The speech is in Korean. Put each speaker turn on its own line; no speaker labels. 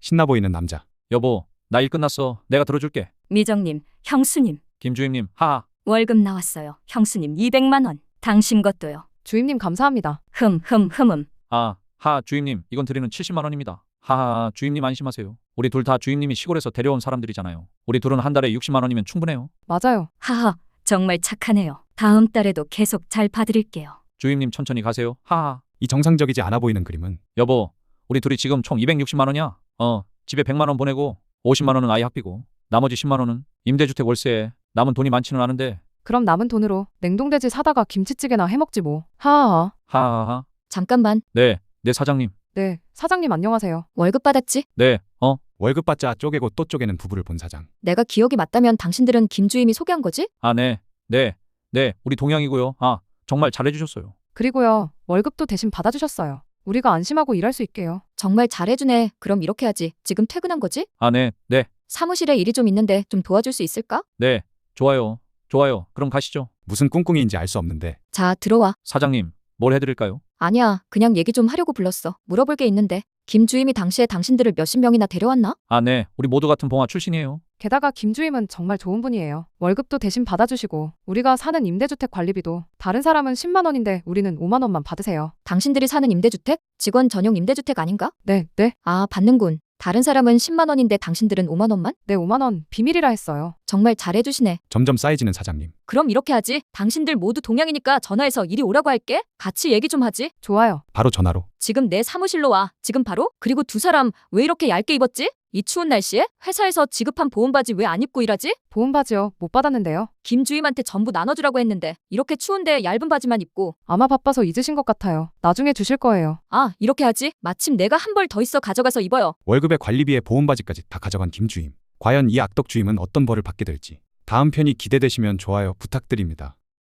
신나 보이는 남자.
여보, 나 일 끝났어. 내가 들어줄게.
미정님, 형수님,
김주임님, 하하.
월급 나왔어요. 형수님 200만 원. 당신 것도요.
주임님 감사합니다.
흠.
하, 주임님, 이건 드리는 70만 원입니다. 하하, 주임님 안심하세요. 우리 둘 다 주임님이 시골에서 데려온 사람들이잖아요. 우리 둘은 한 달에 60만 원이면 충분해요.
맞아요.
하하, 정말 착하네요. 다음 달에도 계속 잘 봐드릴게요.
주임님 천천히 가세요. 하하.
이 정상적이지 않아 보이는 그림은
여보, 우리 둘이 지금 총 260만 원이야. 집에 100만 원 보내고 50만 원은 아이 학비고 나머지 10만 원은 임대주택 월세에. 남은 돈이 많지는 않은데.
그럼 남은 돈으로 냉동돼지 사다가 김치찌개나 해먹지 뭐. 하하하.
하하하.
잠깐만,
네 사장님.
네, 사장님 안녕하세요.
월급 받았지?
네,
월급 받자 쪼개고 또 쪼개는 부부를 본 사장.
내가 기억이 맞다면 당신들은 김주임이 소개한 거지?
네, 우리 동양이고요. 정말 잘해주셨어요.
그리고요, 월급도 대신 받아주셨어요. 우리가 안심하고 일할 수 있게요.
정말 잘해주네. 그럼 이렇게 하지. 지금 퇴근한 거지?
네,
사무실에 일이 좀 있는데 좀 도와줄 수 있을까?
좋아요. 그럼 가시죠.
무슨 꿍꿍이인지 알 수 없는데
자, 들어와.
사장님, 뭘 해드릴까요?
아니야, 그냥 얘기 좀 하려고 불렀어. 물어볼 게 있는데. 김주임이 당시에 당신들을 몇십 명이나 데려왔나?
네, 우리 모두 같은 봉화 출신이에요.
게다가 김주임은 정말 좋은 분이에요. 월급도 대신 받아주시고 우리가 사는 임대주택 관리비도 다른 사람은 10만 원인데 우리는 5만 원만 받으세요.
당신들이 사는 임대주택? 직원 전용 임대주택 아닌가?
네.
아, 받는군. 다른 사람은 10만 원인데 당신들은 5만 원만?
네, 5만 원 비밀이라 했어요.
정말 잘해주시네.
점점 쌓여지는 사장님.
그럼 이렇게 하지. 당신들 모두 동양이니까 전화해서 이리 오라고 할게. 같이 얘기 좀 하지.
좋아요.
바로 전화로.
지금 내 사무실로 와. 지금 바로? 그리고 두 사람 왜 이렇게 얇게 입었지? 이 추운 날씨에? 회사에서 지급한 보온 바지 왜 안 입고 일하지?
보온 바지요. 못 받았는데요.
김주임한테 전부 나눠주라고 했는데 이렇게 추운데 얇은 바지만 입고.
아마 바빠서 잊으신 것 같아요. 나중에 주실 거예요.
아, 이렇게 하지. 마침 내가 한 벌 더 있어 가져가서 입어요.
월급에 관리비에 보험바지까지 다 가져간 김주임. 과연 이 악덕 주임은 어떤 벌을 받게 될지. 다음 편이 기대되시면 좋아요 부탁드립니다.